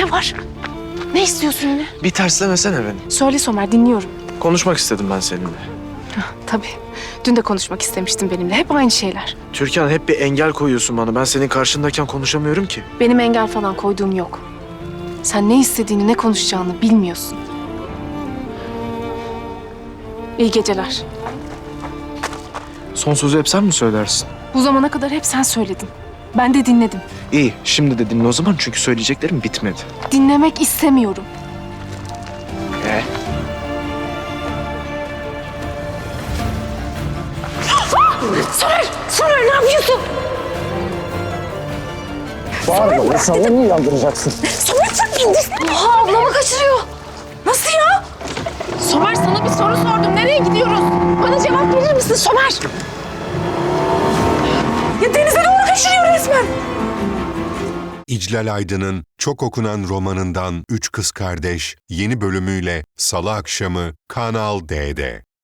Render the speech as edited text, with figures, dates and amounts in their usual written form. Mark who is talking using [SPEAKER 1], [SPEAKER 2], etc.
[SPEAKER 1] Ne var? Ne istiyorsun yine?
[SPEAKER 2] Bir terslemesene beni.
[SPEAKER 1] Söyle Somer, dinliyorum.
[SPEAKER 2] Konuşmak istedim ben seninle.
[SPEAKER 1] Tabii. Dün de konuşmak istemiştin benimle. Hep aynı şeyler.
[SPEAKER 2] Türkan, hep bir engel koyuyorsun bana. Ben senin karşındayken konuşamıyorum ki.
[SPEAKER 1] Benim engel falan koyduğum yok. Sen ne istediğini, ne konuşacağını bilmiyorsun. İyi geceler.
[SPEAKER 2] Son sözü hep sen mi söylersin?
[SPEAKER 1] Bu zamana kadar hep sen söyledin. Ben de dinledim.
[SPEAKER 2] İyi, şimdi de dinle o zaman çünkü söyleyeceklerim bitmedi.
[SPEAKER 1] Dinlemek istemiyorum. Somer ne yapıyorsun?
[SPEAKER 3] Bağırma, insanları niye uyandıracaksın?
[SPEAKER 1] Somer sen indir. Oha, ablamı kaçırıyor. Nasıl ya? Somer, sana bir soru sordum. Nereye gidiyoruz? Bana cevap verir misin Somer? Ya denize doğru kaçırıyor resmen.
[SPEAKER 4] İclal Aydın'ın çok okunan romanından Üç Kız Kardeş yeni bölümüyle Salı akşamı Kanal D'de.